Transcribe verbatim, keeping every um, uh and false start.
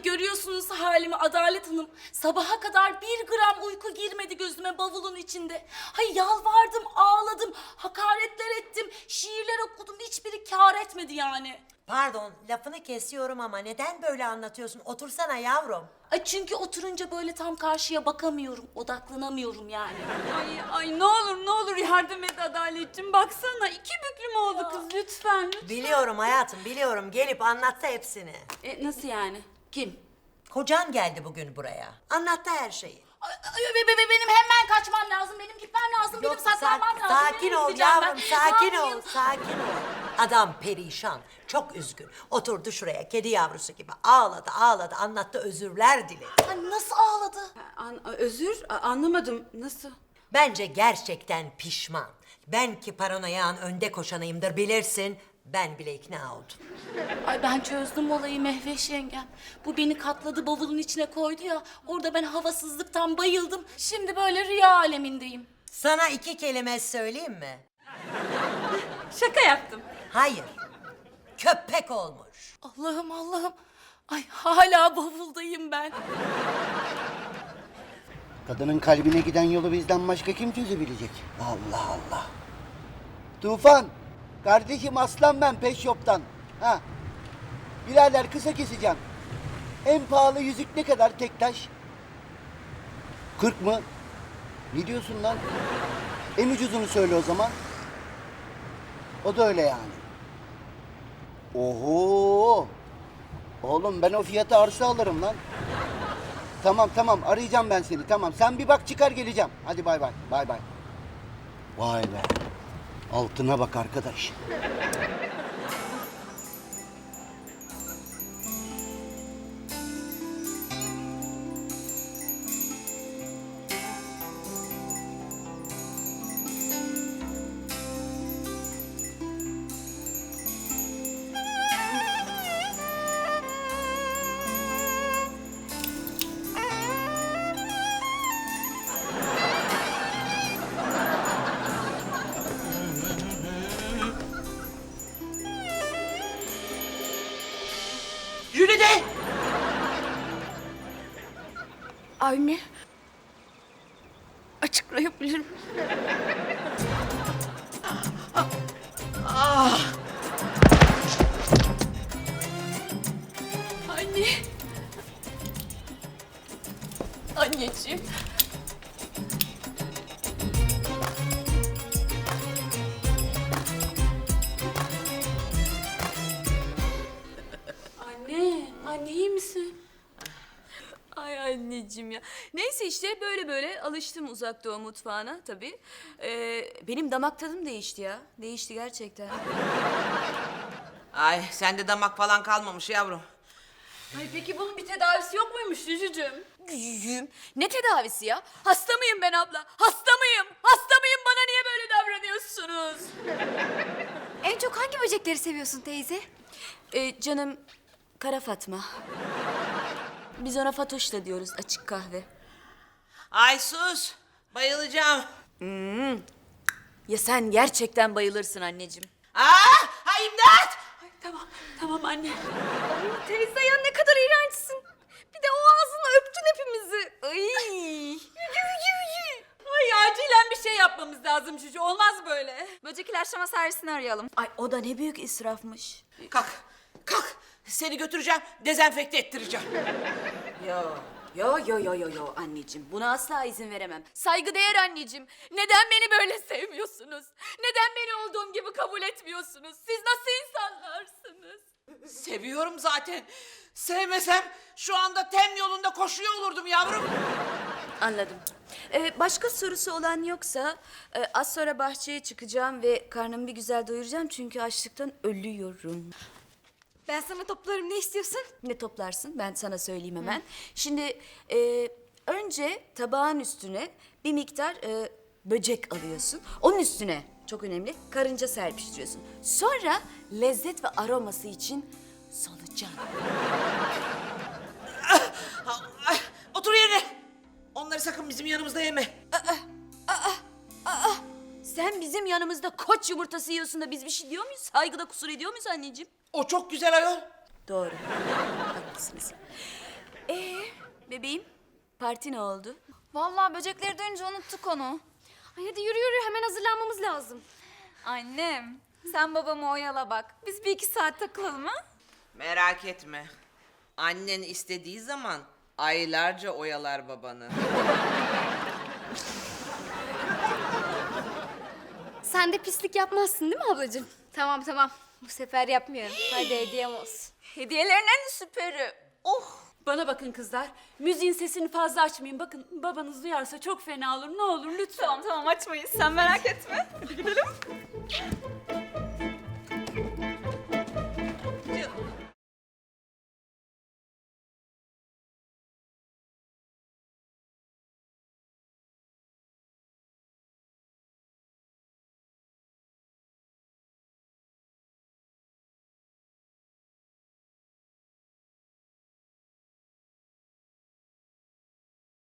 görüyorsunuz halimi Adalet Hanım. Sabaha kadar bir gram uyku girmedi gözüme bavulun içinde. Hay yalvardım, ağladım, hakaretler ettim, şiirler okudum. Hiçbiri kâr etmedi yani. Pardon, lafını kesiyorum ama neden böyle anlatıyorsun? Otursana yavrum. Ay çünkü oturunca böyle tam karşıya bakamıyorum, odaklanamıyorum yani. Ay, ay ne olur ne olur yardım et Adaletciğim. Baksana iki büklüm oldu kız lütfen lütfen. Biliyorum hayatım, biliyorum. Gelip anlattı hepsini. E, nasıl yani? Kim? Kocan geldi bugün buraya. Anlattı her şeyi. Ay, ay, be- be- be- benim hemen kaçmam lazım, benim gitmem lazım, benim saklanmam sak- lazım. sakin Nereye ol gideceğim yavrum, ben? sakin Ne ol, yapayım? sakin ol. Adam perişan, çok üzgün. Oturdu şuraya kedi yavrusu gibi. Ağladı, ağladı, anlattı, özürler diledi. Ay, nasıl ağladı? An- özür a- anlamadım nasıl? Bence gerçekten pişman. Ben ki paranoyan önde koşanıyımdır bilirsin. Ben bile ikna oldum. Ay ben çözdüm olayı Mehveş yengem. Bu beni katladı, bavulun içine koydu ya. Orada ben havasızlıktan bayıldım. Şimdi böyle rüya alemindeyim. Sana iki kelime söyleyeyim mi? Şaka yaptım. Hayır. Köpek olmuş. Allah'ım Allah'ım. Ay hala bavuldayım ben. Kadının kalbine giden yolu bizden başka kim çözebilecek? Allah Allah. Tufan, kardeşim aslan ben peş yoptan. Ha. Birader kısa keseceğim. En pahalı yüzük ne kadar tek taş? Kırk mı? Ne diyorsun lan? En ucuzunu söyle o zaman. O da öyle yani. Oho! Oğlum ben o fiyata arsa alırım lan. Tamam tamam arayacağım ben seni tamam. Sen bir bak çıkar geleceğim. Hadi bay bay bay bay. Vay be. Altına bak arkadaş. Jülide! Anne. Açıklayabilirim. Anne. Anneciğim. Anne, anne iyi misin? Ay anneciğim ya. Neyse işte böyle böyle alıştım uzak doğu mutfağına tabii. Ee, benim damak tadım değişti ya. Değişti gerçekten. Ay sende damak falan kalmamış yavrum. Ay peki bunun bir tedavisi yok muymuş Cücücüğüm? Cücüğüm ne tedavisi ya? Hasta mıyım ben abla? Hasta mıyım? Hasta mıyım? Bana niye böyle davranıyorsunuz? En çok hangi böcekleri seviyorsun teyze? Ee, canım Kara Fatma. Biz ona Fatoş da diyoruz açık kahve. Ay sus. Bayılacağım. Ya sen gerçekten bayılırsın anneciğim. Aa, ay imdat. Ay, tamam, tamam anne. Ay teyze ya ne kadar iğrençsin. Bir de o ağzınla öptün hepimizi. Ay. Ay acilen bir şey yapmamız lazım Cücü. Olmaz böyle. Böcek ilaçlama servisini arayalım. Ay o da ne büyük israfmış. Kalk, kalk. Seni götüreceğim, dezenfekte ettireceğim. Yo, yo, yo, yo, yo, yo anneciğim. Buna asla izin veremem. Saygıdeğer anneciğim. Neden beni böyle sevmiyorsunuz? Neden beni olduğum gibi kabul etmiyorsunuz? Siz nasıl insanlarsınız? Seviyorum zaten. Sevmesem şu anda tem yolunda koşuyor olurdum yavrum. Anladım. Ee, başka sorusu olan yoksa e, az sonra bahçeye çıkacağım ve karnımı bir güzel doyuracağım çünkü açlıktan ölüyorum. Ben sana toplarım, ne istiyorsun? Ne toplarsın? Ben sana söyleyeyim hemen. Şimdi e, önce tabağın üstüne bir miktar e, böcek alıyorsun. Onun üstüne çok önemli karınca serpiştiriyorsun. Sonra lezzet ve aroması için solucan. Ay, otur yerine. Onları sakın bizim yanımızda yeme. Sen bizim yanımızda koç yumurtası yiyorsun da biz bir şey diyor muyuz? Saygıda kusur ediyor muyuz anneciğim? O çok güzel ayol. Doğru. Haklısınız. Ee, bebeğim, parti ne oldu? Vallahi böcekleri duyunca unuttuk onu. Ay hadi yürü yürü hemen hazırlanmamız lazım. Annem sen babamı oyala bak. Biz bir iki saat takılalım ha? Merak etme. Annen istediği zaman aylarca oyalar babanı. Sen de pislik yapmazsın değil mi ablacığım? Tamam tamam. Bu sefer yapmıyorum. Hadi hediyem olsun. Hediyelerin en süperi. Oh! Bana bakın kızlar. Müziğin sesini fazla açmayın. Bakın babanız duyarsa çok fena olur. Ne olur lütfen. Tamam tamam açmayız. Sen merak etme. Hadi gidelim.